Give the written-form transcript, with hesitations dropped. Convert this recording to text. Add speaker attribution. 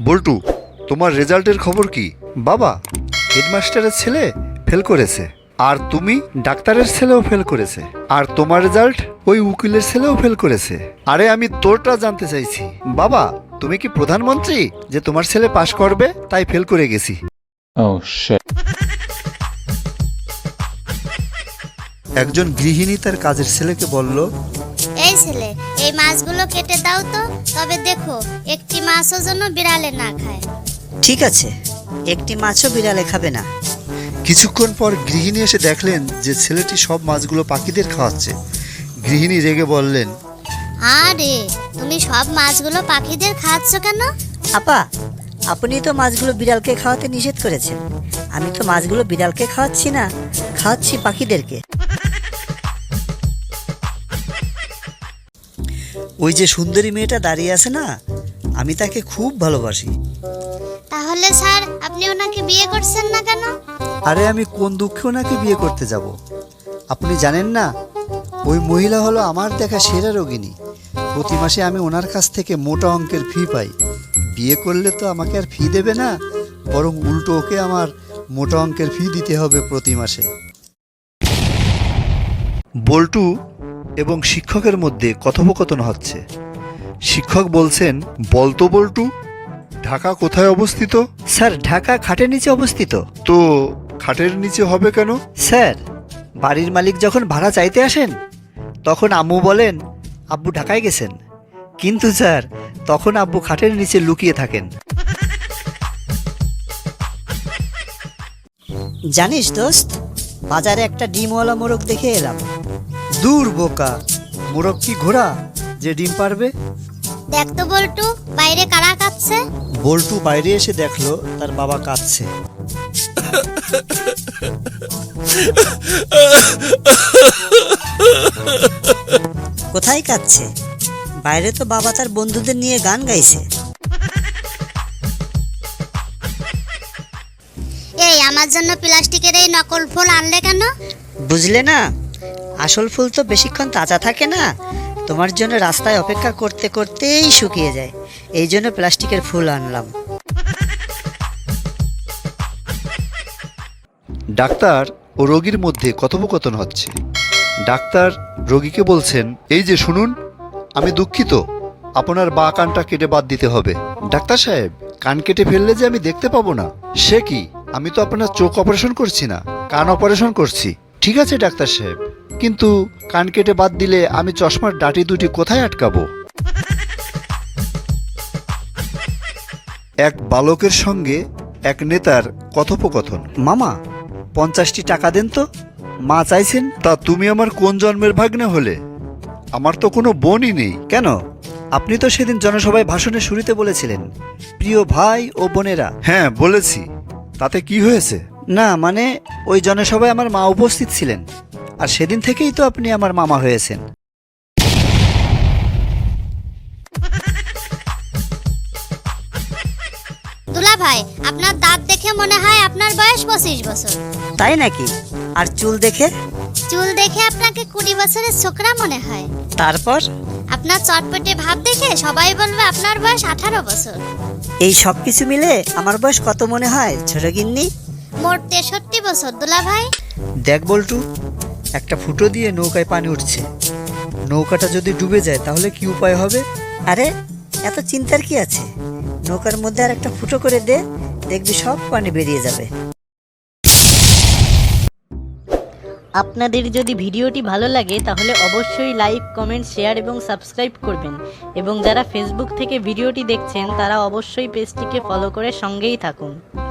Speaker 1: বল্টু, তোমার রেজাল্টের খবর কি? বাবা, হেডমাস্টারের ছেলে ফেল করেছে, আর তুমি ডাক্তারের ছেলেও ফেল করেছে, আর তোমার রেজাল্ট ওই উকিলের ছেলেও ফেল করেছে। আরে আমি তোরটা জানতে চাইছি। বাবা, তুমি কি প্রধানমন্ত্রী যে তোমার ছেলে পাশ করবে তাই ফেল করে গেছি?
Speaker 2: Oh shit.
Speaker 1: একজন গৃহিণী তার কাজের ছেলেকে বলল,
Speaker 3: এই ছেলে, এই মাছগুলো কেটে দাও তো, তবে দেখো একটি মাছও যেন বিড়ালে না খায়।
Speaker 4: ঠিক আছে, একটি মাছও বিড়ালে খাবে না।
Speaker 1: কিছুক্ষণ পর গৃহিণী এসে দেখলেন যে ছেলেটি সব মাছগুলো পাখিদের খাওয়াচ্ছে। গৃহিণী রেগে বললেন,
Speaker 3: আরে তুমি সব মাছগুলো পাখিদের খাওয়াচ্ছ কেন?
Speaker 4: আপা, আপনি তো মাছগুলো বিড়ালকে খাওয়াতে নিষেধ করেছেন। আমি তো মাছগুলো বিড়ালকে খাওয়াচ্ছি না, খাওয়াচ্ছি পাখিদেরকে। ওই যে সুন্দরী মেয়েটা দাঁড়িয়ে আছে না, আমি তাকে খুব ভালোবাসি।
Speaker 3: তাহলে স্যার আপনি ওনাকে বিয়ে করছেন না কেন?
Speaker 1: আরে আমি কোন দুঃখে ওনাকে বিয়ে করতে যাব? আপনি জানেন না, ওই মহিলা হলো আমার দেখা সেরা রোগিণী। প্রতি মাসে আমি ওনার কাছ থেকে মোটা অঙ্কের ফি পাই। বিয়ে করলে তো আমাকে আর ফি দেবে না, বরং উল্টো ওকে আমার মোটা অঙ্কের ফি দিতে হবে প্রতি মাসে। বল্টু এবং শিক্ষকের মধ্যে কথোপকথন হচ্ছে। শিক্ষক বলছেন, বলতো বল্টু, ঢাকা কোথায় অবস্থিত?
Speaker 4: স্যার, ঢাকা খাটের নিচে অবস্থিত।
Speaker 1: তো খাটের নিচে হবে কেন?
Speaker 4: স্যার, বাড়ির মালিক যখন ভাড়া চাইতে আসেন তখন আম্মু বলেন আব্বু ঢাকায় গেছেন, কিন্তু স্যার তখন আব্বু খাটের নিচে লুকিয়ে থাকেন। জানিস দোস্ত, বাজারে একটা ডিমওয়ালা মোরগ দেখে এলাম। দূর বোকা, মোরগ কি ঘোড়া যে ডিম পারবে?
Speaker 3: দেখ তো বল্টু, বাইরে কারা কাঁদছে?
Speaker 4: বল্টু বাইরে এসে দেখলো তার বাবা কাঁদছে। কোথায় কাঁদছে? বাইরে তো বাবা তার বন্ধুদের নিয়ে গান গাইছে।
Speaker 3: এই আমার জন্য প্লাস্টিকের এই নকল ফুল আনলে কেন?
Speaker 4: বুঝলে না, আসল ফুল তো বেশিক্ষণ তাজা থাকে না, তোমার জন্য রাস্তায় অপেক্ষা করতে করতেই শুকিয়ে যায়, এই জন্য প্লাস্টিকের ফুল আনলাম।
Speaker 1: ডাক্তার ও রোগীর মধ্যে কথোপকথন হচ্ছে। ডাক্তার রোগীকে বলছেন, এই যে শুনুন, আমি দুঃখিত, আপনার বাঁ কানটা কেটে বাদ দিতে হবে। ডাক্তার সাহেব, কান কেটে ফেললে যে আমি দেখতে পাবো না। সে কি, আমি তো আপনার চোখ অপারেশন করছি না, কান অপারেশন করছি। ঠিক আছে ডাক্তার সাহেব, কিন্তু কান কেটে বাদ দিলে আমি চশমার ডাটি দুটি কোথায় আটকাবো? এক বালকের সঙ্গে এক নেতার কথোপকথন। মামা, 50টি টাকা দেন তো, মা চাইছেন। তা তুমি আমার কোন জন্মের ভাগ্নে হলে? আমার তো কোনো বোনই নেই। কেন? আপনি তো সেদিন জনসভায় ভাষণের শুরুতে বলেছিলেন, প্রিয় ভাই ও বোনেরা। হ্যাঁ বলেছি, তাতে কি হয়েছে? না মানে, ওই জনসভায় আমার মা উপস্থিত ছিলেন, আর সেদিন থেকেই তো আপনি আমার মামা হয়েছেন।
Speaker 3: দুলা ভাই, আপনার দাঁত দেখে মনে হয় আপনার বয়স 25 বছর।
Speaker 4: তাই নাকি? আর চুল দেখে?
Speaker 3: চুল দেখে আপনাকে 20 বছরের ছোকরা মনে হয়।
Speaker 4: তারপর?
Speaker 3: আপনার চটপটে ভাব দেখে সবাই বলবে আপনার বয়স 18 বছর।
Speaker 4: এই সব কিছু মিলে আমার বয়স কত মনে হয় ছোট গিন্নি?
Speaker 3: মোট 63 বছর দুলা ভাই।
Speaker 4: দেখ বল্টু, একটা ফুটো দিয়ে নৌকায় পানি উঠছে, নৌকাটা যদি ডুবে যায় তাহলে কি উপায় হবে? আরে এত চিন্তার কি আছে, নৌকার মধ্যে আর একটা ফুটো করে দে, দেখবি সব পানি বেরিয়ে যাবে।
Speaker 5: আপনাদের যদি ভিডিওটি ভালো লাগে তাহলে অবশ্যই লাইক, কমেন্ট, শেয়ার এবং সাবস্ক্রাইব করবেন, এবং যারা ফেসবুক থেকে ভিডিওটি দেখছেন তারা অবশ্যই পেজটিকে ফলো করে সঙ্গেই থাকুন।